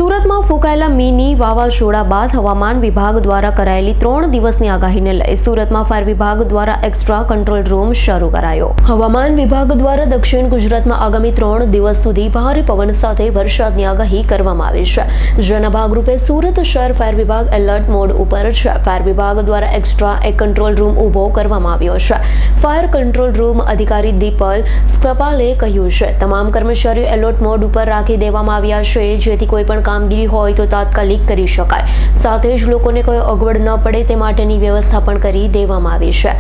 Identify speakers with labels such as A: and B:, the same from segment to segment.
A: સુરતમાં ફૂંકાયેલા મિની વાવાઝોડા બાદ હવામાન વિભાગ દ્વારા કરાયેલી 3 દિવસની આગાહીને લઈ સુરતમાં ફાયર વિભાગ દ્વારા એક્સ્ટ્રા કંટ્રોલ રૂમ શરૂ કરાયો। હવામાન વિભાગ દ્વારા દક્ષિણ ગુજરાતમાં આગામી 3 દિવસ સુધી ભારે પવન સાથે વરસાદની આગાહી કરવામાં આવી છે, જેના ભાગરૂપે સુરત શહેર ફાયર વિભાગ એલર્ટ મોડ ઉપર છે। ફાયર વિભાગ દ્વારા એક્સ્ટ્રા એક કંટ્રોલ રૂમ ઊભો કરવામાં આવ્યો છે। ફાયર કંટ્રોલ રૂમ અધિકારી દીપલ સ્કપાલે કહ્યું છે, તમામ કર્મચારીઓ એલર્ટ મોડ ઉપર રાખી દેવામાં આવ્યા છે, જેથી કોઈ પણ કામગીરી હોય તો તાત્કાલિક કરી શકાય। સાથે જ લોકોને કોઈ અગવડ ન પડે તે માટેની વ્યવસ્થા પણ કરી દેવામાં આવી છે।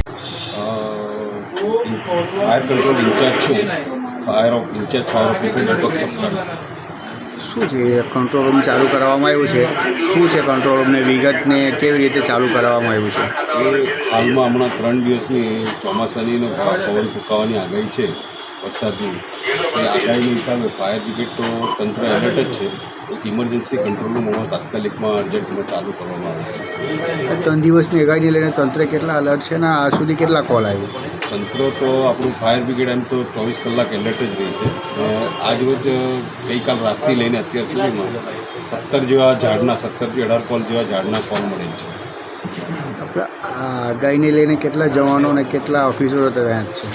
B: ફાયર કંટ્રોલ ઇન્ચાર્જ છું, ફાયર ઓફિસર દીપક સપ્તાહ।
C: શું છે કંટ્રોલ રૂમ ચાલુ કરવામાં આવ્યું છે? શું છે કંટ્રોલ રૂમને વિગતને કેવી રીતે ચાલુ કરવામાં આવ્યું છે?
B: એ હાલમાં હમણાં 3 દિવસની ચોમાસાની પવન ફૂંકાવાની આગાહી છે, વરસાદની। એ આગાહીના હિસાબે ફાયર બ્રિગેડ તો તંત્ર એલર્ટ જ છે। એક ઇમરજન્સી કંટ્રોલ રૂમ હમણાં તાત્કાલિકમાં અર્જન્ટમાં ચાલુ કરવામાં આવે છે।
C: 3 દિવસની આગાહીને લઈને તંત્ર કેટલા અલર્ટ છે ને આ સુધી કેટલા કોલ આવ્યો?
B: તંત્ર તો આપણું ફાયર બ્રિગેડ એમ તો 24 કલાક એલર્ટ જ રહી છે। આજ રોજ ગઈકાલ રાતથી લઈને અત્યાર સુધીમાં 17 થી 18 કોલ જેવા ઝાડના કોલ મળે છે।
C: આપણે આ આગાહીને લઈને કેટલા જવાનો અને કેટલા ઓફિસરો તૈયાર છે?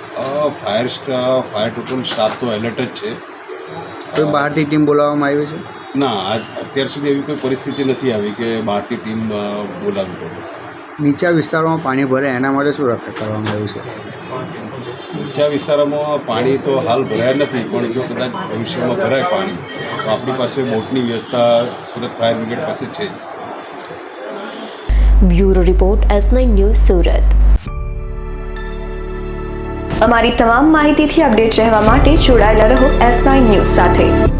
B: ફાયર ટોટલ સ્ટાફ તો એલર્ટ જ છે।
C: કોઈ બહારથી ટીમ બોલાવવામાં આવી છે?
B: ના, અત્યાર સુધી એવી કોઈ પરિસ્થિતિ નથી આવી કે બહારથી ટીમ બોલાવવી પડે।
C: નીચા વિસ્તારોમાં પાણી ભરે એના માટે શું રક્ષા કરવામાં આવ્યું છે?
B: નીચા વિસ્તારોમાં પાણી તો હાલ ભરાયા નથી, પણ જો કદાચ ભવિષ્યમાં ભરાય પાણી તો આપણી પાસે બોટની વ્યવસ્થા સુરત ફાયર બ્રિગેડ પાસે છે જ।
A: Bureau report S9 news Surat.
D: અમારી તમામ માહિતીથી અપડેટ રહેવા માટે જોડાયેલા રહો S9 ન્યૂઝ સાથે।